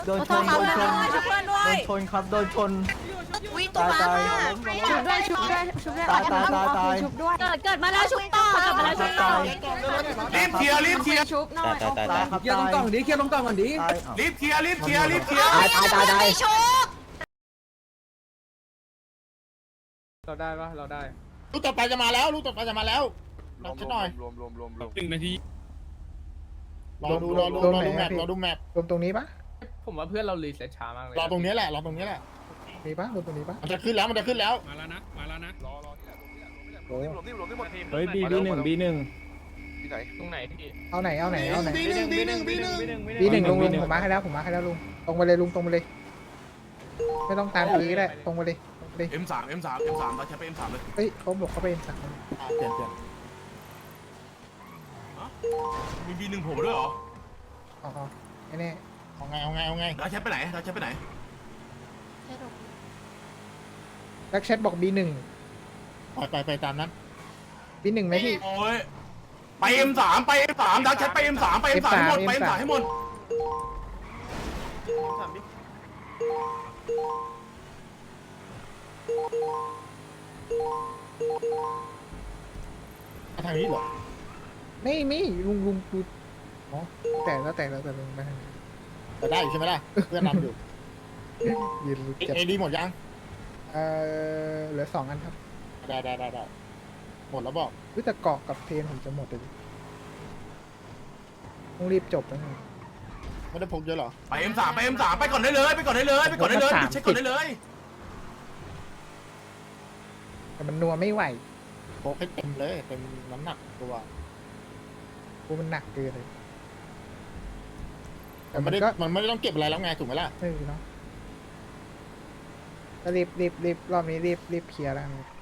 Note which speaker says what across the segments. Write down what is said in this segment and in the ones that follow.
Speaker 1: โดนชนโดนชนโดนชนครับโดนชน
Speaker 2: วิ่งตัวมา
Speaker 3: ชุบด้วยชุบด้วยชุบด้วย
Speaker 1: ตายตายตายตาย
Speaker 3: ชุบด้วย
Speaker 2: เกิดมาแล้วชุบต่อเกิดมาแล้วชุบต่อ
Speaker 4: รีบเคลียร์รีบเคลียร์
Speaker 3: ชุบหน่อย
Speaker 1: ตายครับ
Speaker 5: เคลียร์ตรงกล่องดิเคลียร์ตรงกล่องก่อนดิ
Speaker 1: ตาย
Speaker 4: รีบเคลียร์รีบเคลียร์รีบเคลียร์
Speaker 2: ไม่ชุบ
Speaker 5: เราได้ปะเราได้
Speaker 6: ลูกต่อไปจะมาแล้วลูกต่อไปจะมาแล้วรอหน่อย
Speaker 4: 1 นาที
Speaker 6: รอดูแมปรอดูแมป
Speaker 7: รวมตรงนี้ปะ
Speaker 5: ผมว่าเพื่อนเรารีเซ็ตช้ามากเลย
Speaker 6: รอตรงนี้แหละรอตรงนี้แหละ
Speaker 7: มีปะรวมตรงนี้ปะ
Speaker 6: มันจะขึ้นแล้วมันจะขึ้นแล้ว
Speaker 4: มาแล้วนะมาแล้วนะ
Speaker 7: โอ้
Speaker 5: เฮ้ย B1 B1
Speaker 4: ตรงไหนพี่
Speaker 7: เอาไหนเอาไหนเอาไหน
Speaker 6: B1
Speaker 7: B1 ลุงผมมาให้แล้วผมมาให้แล้วลุงตรงไปเลยลุงตรงไปเลย ไม่ต้องตามปีก็ได้ตรงไปเลยตรงไปเลย
Speaker 4: M3 เราใช้ไป M3 เลย
Speaker 7: เฮ้ยเขาบอกเขาเป็นสั่ง
Speaker 6: เปลี่ยน
Speaker 4: มี B1 ผมด้วยเหรอ
Speaker 7: อ๋อไม่แน่
Speaker 6: เอาไง
Speaker 4: เราใช้ไปไหนเราใช้ไปไหน
Speaker 7: แบ็กแชทบอก B1
Speaker 6: ไปตามนั้น
Speaker 7: B1 ไหมพี่
Speaker 4: โอ้ยไป M3 ไป M3 เราใช้ไป M3 ไป M3 ให้หมดไป M3 ให้หมด
Speaker 6: ทางนี้เหรอ
Speaker 7: ไม่มีลุงดูอ๋อแต่แล้วลุงไปทางไหน
Speaker 6: แต่ได้อยู่ใช่ไหมล่ะเพื่อนนำอยู่
Speaker 7: ยืนลุกจับ
Speaker 6: เอดีหมดยัง
Speaker 7: เหลือ2 อันครับ
Speaker 6: ได้หมดแล้วบอก
Speaker 7: วิแต่เกาะกับเพนผมจะหมดเลยต้องรีบจบแล้วไง
Speaker 6: ไม่ได้พกเยอะหรอ
Speaker 4: ไป M3 ไป M3 ไปก่อนได้เลยไปก่อนได้เลยไปก่อนได้เลยเช็คก่อนได้เลย
Speaker 7: แต่มันนัวไม่ไหว
Speaker 6: พกให้เต็มเลยเต็มน้ำหนักตัว
Speaker 7: กูมันหนักเกินเลยแต่
Speaker 6: มัน
Speaker 7: มั
Speaker 6: ไม่
Speaker 7: น
Speaker 6: ได้
Speaker 7: ก็
Speaker 6: มันไม่ได้ต้องเก็บอะไรแล้วไงถูกไหมล่ะ
Speaker 7: เนาะก็รีบรอบนี้รีบเคลียร์แล้วครับ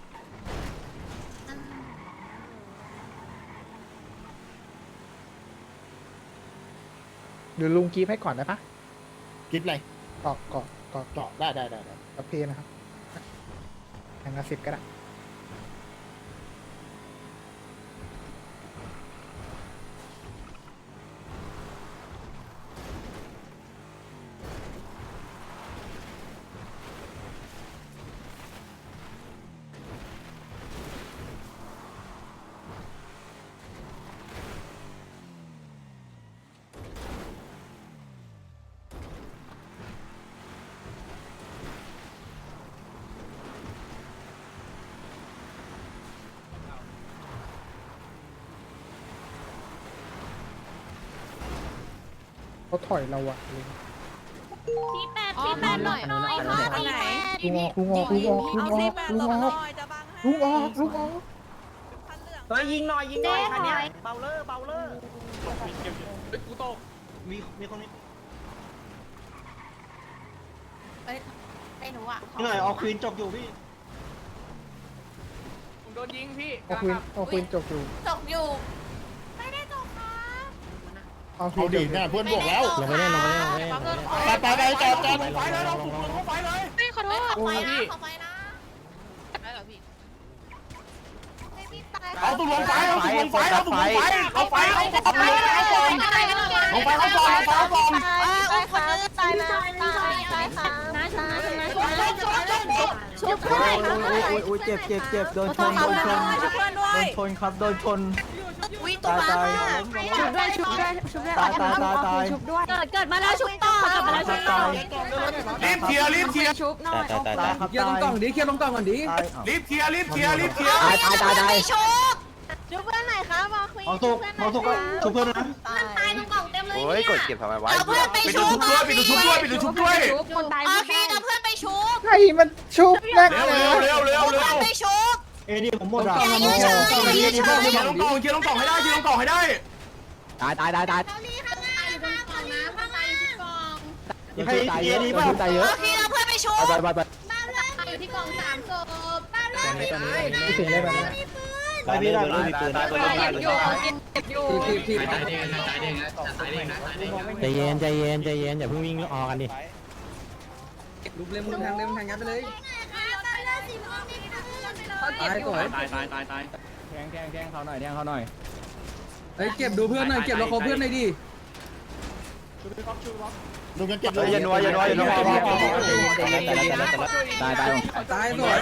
Speaker 7: หรือลุงกีฟให้ก่อนได้ปะ
Speaker 6: กิฟอะไร
Speaker 7: เกาะ
Speaker 6: เจาะได้
Speaker 7: กับเพนนะครับอย่างละ10ก็ได้เขาถอยเราอะลุง
Speaker 2: ที่แปดหน่อยค่ะไหน
Speaker 7: ลุงออก
Speaker 1: เฮ้ยยิงหน่อยคันนี้เบาเลอร์
Speaker 4: กูตก
Speaker 1: มีคนนี้
Speaker 2: ไอ้หนูอ่ะ
Speaker 1: หน่อยเอาควีนจบอยู่พี่
Speaker 5: ผมโดนยิงพี่
Speaker 7: เอาควีนจบอยู่
Speaker 2: ตกอยู่ไม่ได้ตกค่ะ
Speaker 7: เอาควี
Speaker 6: เอา
Speaker 7: นจ
Speaker 6: ดี
Speaker 7: บอยู่
Speaker 6: เนี่ยเพื่อนบวกแล้ว
Speaker 1: ลงไปเล่น
Speaker 6: ไปจอด
Speaker 4: ไฟเลยเราถูกลงไฟเลย
Speaker 2: ไม่ขอโทษขอไฟนะขอไฟนะได้เหรอพี่พี่ตาย
Speaker 4: เอาถูกลงไฟเอาถูกลงไฟเอาถูกลงไฟเอาไฟเอาก่อนเอาก่อนลงไฟเอาก่อนเอาก่อน
Speaker 2: คนนึงตายแล้วตายค่ะนะชุบด้วย
Speaker 1: อุ้ยเจ็บโดนชนครับโดนชน
Speaker 2: วิ่งตัวมา
Speaker 3: ชุบด้วยชุบด้วยชุบด้วย
Speaker 1: ตาย
Speaker 3: ชุบด้วย
Speaker 2: เกิดมาแล้วชุบต่อเกิดมาแล้วชุบต่อ
Speaker 4: รีบเคลียร์รีบเคลียร์
Speaker 3: ชุบหน่อย
Speaker 1: ตายครับ
Speaker 5: เคลียร์ตรงกล่องดิเคลียร์ตรงกล่องก่อนดิ
Speaker 1: ตาย
Speaker 4: รีบเคลียร์รีบเคลียร์รีบเคลียร์
Speaker 2: ไม่ชุบชุบเพื่อนไหนคะมาคุย
Speaker 1: มองสุกก็ชุบเพื่อนนะ
Speaker 2: ตายตรงกล่องเต็มเลย
Speaker 8: โอ้ยกดเก็บทำไมวะ
Speaker 2: เอาเพื่อนไป
Speaker 4: ปิด
Speaker 2: ชุ
Speaker 4: ชุ
Speaker 2: บบ
Speaker 4: ด้วยปิดชุบด้วยปิดชุบด้วย
Speaker 3: ชุบคนตาย
Speaker 2: โอ
Speaker 3: ไม่
Speaker 2: เค
Speaker 3: ได้
Speaker 2: เอาเพื่อนไปชุบ
Speaker 7: ใครมันชุบนัก
Speaker 4: เร็ว
Speaker 7: นะ
Speaker 4: เร็วเร็วเร็ว
Speaker 2: เอา
Speaker 4: เร็
Speaker 2: เพื่อน
Speaker 4: ว
Speaker 2: ไปชุบ
Speaker 1: เอดีผมหมดอ่ะ
Speaker 2: อย่ายืนเฉยอย่ายืนเฉย
Speaker 4: เคลียร์ลงกล่องเคลียร์ลงกล่องให้ได้เคลียร์ลงกล่องให้ได้
Speaker 1: ตาย
Speaker 2: เขาลีข้างหน้าอยู่บนกล่องนะข้างหน้าอยู่ที่กล่อง
Speaker 1: ให้เอดีป่ะตายเยอะ
Speaker 2: โอเคเอาเพื่อนไปชุบ
Speaker 1: ไป
Speaker 2: บ้านเพื่อนอยู่ที่กล่อง3ศพบ้านเพื่อน
Speaker 7: ไม่ถึงได้แบบนั้น
Speaker 1: ตายพี่ได้มีปืน
Speaker 3: เก็บอยู่เก็บอยู่
Speaker 5: ที
Speaker 1: ใจเย็นอย่าเพิ่งวิ่งออกกันดิ
Speaker 5: ลุกเล่มทางยัดไปเลย
Speaker 3: เขาเก็บอยู่
Speaker 1: แทงเขาหน่อย
Speaker 5: เฮ้ยเก็บดูเพื่อนหน่อยเก็บเราขอเพื่อนหน่อยดิ
Speaker 6: ลุงยังเก็บ
Speaker 4: อย่านัวอย่านัวอย่านัว
Speaker 5: ตายสวย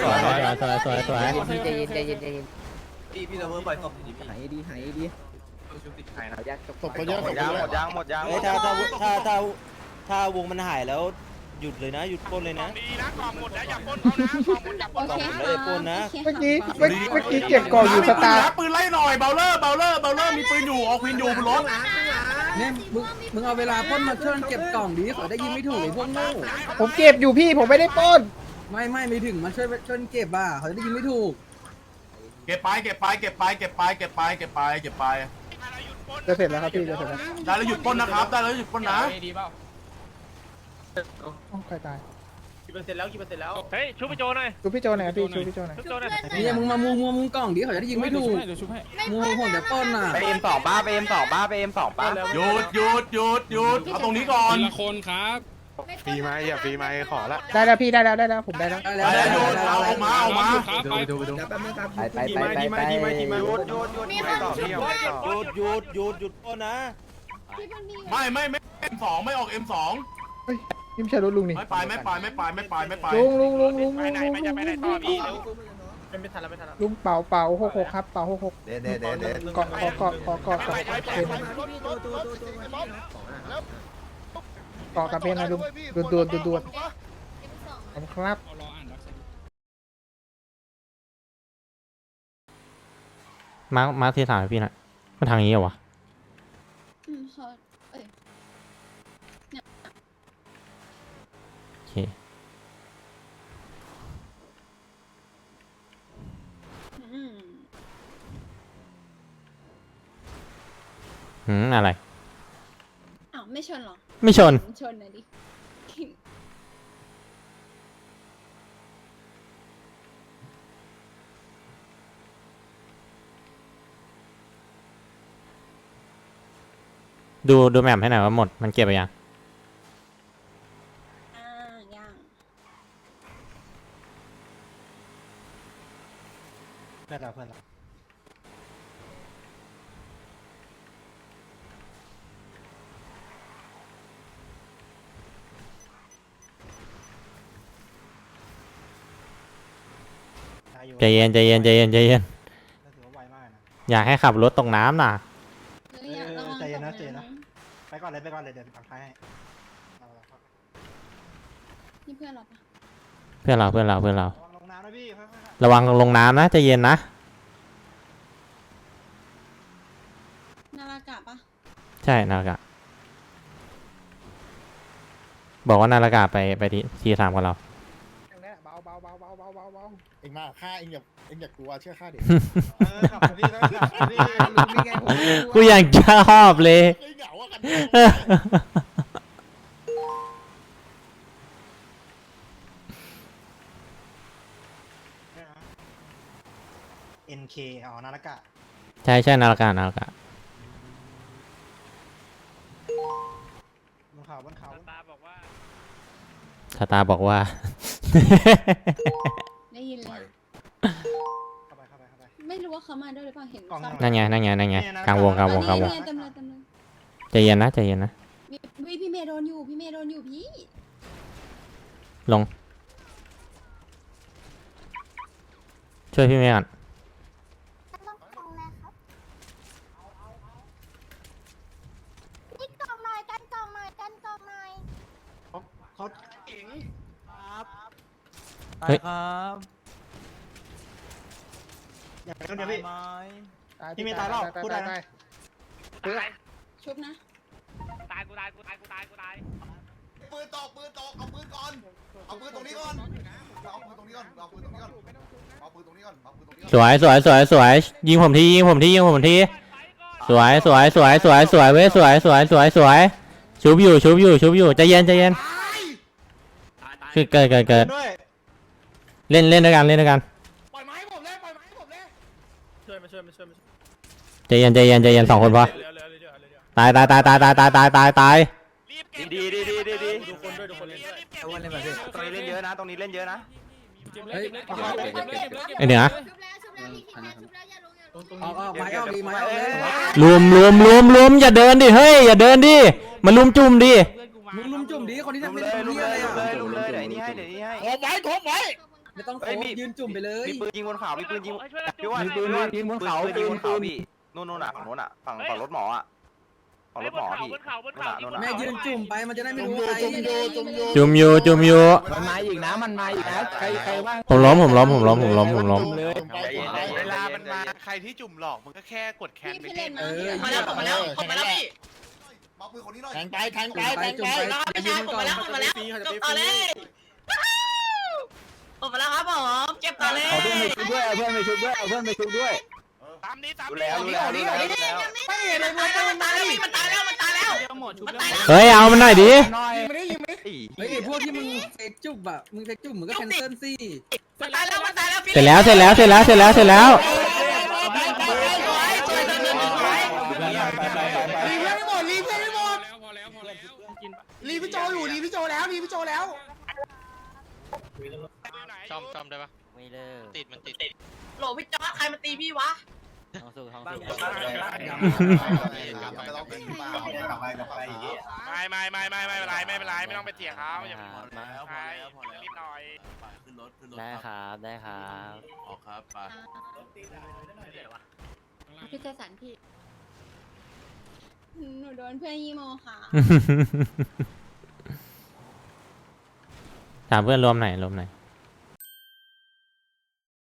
Speaker 1: พี่เราเพิ่มปล่อยศพ
Speaker 5: หายดีหายดี
Speaker 6: ศพเขาเยอะศพ
Speaker 4: ยางหม
Speaker 6: เย
Speaker 4: ด
Speaker 6: อะ
Speaker 4: ยางหมดยาง
Speaker 1: เฮ้ยถ้าวงมันหายแล้วหยุดเลยนะหยุดปล้นเลยนะ
Speaker 4: ดีนะกล่องหมดแล้วอย่าปนเขานะกล่องหมดอย่าปน
Speaker 2: โอเค
Speaker 1: ไม่ได้ปล้นนะ
Speaker 7: เมื่อกี้เก็บกล่องอยู่สตาร์
Speaker 6: ปืนไล่หน่อยเบลเลอร์มีปืนอยู่ออกวินอยู่บนรถ
Speaker 5: เนี่ยมึงเอาเวลาพ่นมาช่วยเก็บกล่องดีขอได้ยินไม่ถูกไอ้พวกโง่
Speaker 7: ผมเก็บอยู่พี่ผมไม่ได้ปล้น
Speaker 5: ไม่ถึงมันช่วยเก็บอ่ะเขาจะได้ยินไม่ถูก
Speaker 6: เก็บไป
Speaker 7: จะเสร็จแล้วครับพี่จะเสร็จแล้ว
Speaker 6: ได้แล้วหยุดปล้นนะครับได้แล้วหยุดปล้นนะ
Speaker 5: ดีเปล่า
Speaker 7: ใครตาย
Speaker 5: กี่เปอร์เซ็นต์แล้ว
Speaker 4: เฮ้ยชุบไปโจหน่อย
Speaker 7: ชูพี่โจหน่อยพี่ชูพี่โจหน่อย
Speaker 4: ชุบโจหน่อย
Speaker 5: เนี่ยมึงมามุงกล่องดีเขาจะได้ยินไม่ถูกมุงผมจะป้นอ่ะ
Speaker 4: ไปM2ป้าไปM2ป้าไปM2ป้า
Speaker 6: หยุดเอาตรงนี้ก่อน
Speaker 8: ทีละคนครับ
Speaker 2: ฟรีไหมอย่าฟรีไหม
Speaker 6: ขอละ
Speaker 7: ได้แล้วพี่ได้แล้วผมได้แล้ว
Speaker 5: ได้แล้ว
Speaker 6: หยุดเอามา
Speaker 8: ครับไป
Speaker 5: แป๊บนึงครับ
Speaker 1: ไป
Speaker 4: หยุดหยุดไม่ต่อพี่
Speaker 1: หยุดปล้นนะ
Speaker 6: ไม่ M2 ไม่ออก M2
Speaker 7: นี่ไม่ใช่รถลุงนี่
Speaker 6: ไม่ไป
Speaker 7: ลุง
Speaker 4: ไปไหนไม่จะไปไหนต่อพี่เร็ว
Speaker 7: ลุงเป่า66ครับเป่า66
Speaker 1: เด็ด
Speaker 7: เกาะกับเพนนะลุงดวนผมครับ
Speaker 8: รออ่านรับ
Speaker 9: มาร์คที่ถามพี่นะมันทางนี้เหรอวะ
Speaker 2: เขาเอ้ย
Speaker 9: โอเค อะไร
Speaker 2: อ้าวไม่ชนหรอ
Speaker 9: ไม่ชน
Speaker 2: ชนนะดิ
Speaker 9: ดูแมพให้หน่อยว่าหมดมันเก็บไปยัง
Speaker 2: ย่าง
Speaker 1: เพื่อนเรา
Speaker 9: ใจเย็น
Speaker 1: ถือว่าไวมากนะ
Speaker 9: อยากให้ขับรถตกน้ำน่ะ
Speaker 1: ใจเย็นนะไปก่อนเลยเดี๋ยวปักท้ายให้
Speaker 2: นี่เพื่อนเราปะ
Speaker 9: เพื่อนเรา
Speaker 1: ลงน้ำนะพี่ค่อย
Speaker 9: ระวังลงน้ำนะใจเย็นนะ
Speaker 2: นารากะปะ
Speaker 9: ใช่นารากะบอกว่านารากะไปที่3กับเรา
Speaker 7: เบา
Speaker 6: เอ็งมาฆ่าเอ็งอย่ากลัวเชื่อข้าดิ
Speaker 1: ขับมาพี่นะขับมาพี่
Speaker 7: ลุงนี่ไงผม
Speaker 9: กูยังชอบเลย
Speaker 6: เหงาอะกัน
Speaker 1: NK อ๋อนารากะ
Speaker 9: ใช่นารากะ
Speaker 1: บนเขา
Speaker 4: ตาบอกว่า
Speaker 9: สตาร์บอกว่า
Speaker 2: ได้ยินเลย
Speaker 1: เข้าไป
Speaker 2: ไม่รู้ว่าเขามาด้วยหรือเปล่าเห็น
Speaker 9: นั่นไงกลางวง
Speaker 2: เต็มเลย
Speaker 9: ใจเย็นนะ
Speaker 2: พี่เมย์โดนอยู่พี่
Speaker 9: ลงช่วยพี่เมย์ก่อน
Speaker 1: เขาเก่งครับอย่าไปคนเดียวพี่ พี่ไม่ตายหรอกพูดได้นะ
Speaker 2: ชุบนะ
Speaker 4: ตายกูตาย
Speaker 6: ปืนตกเอาปืนก่อนเอาปืนตรงนี้ก่อนเอาปืนตรงนี้ก่อน
Speaker 9: สวยยิงผมทีสวยเว้ยสวยชุบอยู่ใจเย็นคือเกิด
Speaker 1: ด้วย
Speaker 9: เล่นด้วยกัน
Speaker 5: ปล่อยไม้ผมเลยช่วยมา
Speaker 9: ใจเย็น2 คนพอตาย
Speaker 4: ดี
Speaker 5: ดูคนด้วย
Speaker 4: ตรงนี้เล่นเยอะนะตรงนี้เล่นเยอะนะ
Speaker 5: เฮ้ย
Speaker 9: ไอเหนือ
Speaker 2: ชุบแล้วพี่คิดแล้วชุบแล้วอย่าลง
Speaker 5: ออกไม้ออกดีไม้ออกเลย
Speaker 9: รวมอย่าเดินดิเฮ้ยอย่าเดินดิมาลุมจุ่มดิ
Speaker 1: เพื่อนกู
Speaker 5: มึงลุมจุ่มดิคนที่
Speaker 4: ลุ
Speaker 5: ทำ
Speaker 4: ม
Speaker 5: ไม่
Speaker 4: เล
Speaker 5: ได้
Speaker 4: ยลุม
Speaker 5: เหี้ย
Speaker 4: เล
Speaker 5: อะไร
Speaker 4: ยลุม
Speaker 5: อ่ะ
Speaker 4: เลยลุมเลยเดี๋ยวนี้ให้โคบไว้โคบไว้
Speaker 5: ไม่ต้องโคยืนจุ่มไปเลย
Speaker 4: มีปืนยิงบนเขามีปืนยิงพี่ว่า
Speaker 1: มีปืนยิงบนเขา
Speaker 4: ปืนยิงบนเขาพี่นู่นอ่ะฝั่งนู้นอ่ะฝั่งรถหมออ่ะฝั่งรถหมอพี่นู่นอ่ะ
Speaker 5: แม่ยืนจุ่มไปมันจะได้ไม่รู้ใคร
Speaker 9: จุ่มอยู่
Speaker 1: มันมาอีกนะมันมาอีกนะใครบ้าง
Speaker 9: ผมล้ม
Speaker 1: เลย
Speaker 4: เวลามันมาใครที่จุ่มหลอกมันก็แค่กดแคนไปเล่น
Speaker 2: มาแล้วมาแล้วพี่
Speaker 6: มาปืนคนนี้หน่อย
Speaker 4: แทงไป
Speaker 5: จุ่มไปจุ่มไปอย่ายืนก่อน
Speaker 2: มาแล้วจบต่อเลยผมมาแล้วครับผมเก็บต่อเลย
Speaker 1: เอาเพื่อนไปชุบด้วยเอาเพื่อนไปชุบด้วยเอาเพื่อนไปชุบด้วย
Speaker 4: ตามนี้แล้วไม่เห็นเลย
Speaker 2: มันตายแล้วมันตายแล้วมันตายแล้วมันตายแล้ว
Speaker 9: เฮ้ยเอามันหน่อยดิ
Speaker 1: หน่อย
Speaker 5: เฮ้ยพวกที่มึงเฟกจุ่มอ่ะมึงเฟกจุ่มมึงก็แคนเซิลสิ
Speaker 2: มันตายแล้วมันตายแล้ว
Speaker 9: เสร็จแล้ว
Speaker 4: รีพี่โจอยู่รีพี่โจแล้ว
Speaker 8: ซ่อมได้ปะ
Speaker 9: ไม่เลิก
Speaker 8: ติดมันติด
Speaker 2: โหลพี่จอร์จใครมาตีพี่วะ
Speaker 9: ท้องสู้
Speaker 6: ไม่ต้องเป็นเปล่ากลับไปอย่างงี้
Speaker 4: ไม่เป็นไรไม่ต้องไปเถียงเขาอย่าไปรีบหน่อย
Speaker 9: ได้ครับ
Speaker 6: ออกครับไป
Speaker 3: พี่เจสันพี่หนูโดนเพื่อนยีโมค่ะ
Speaker 9: ถามเพื่อนรวมไหน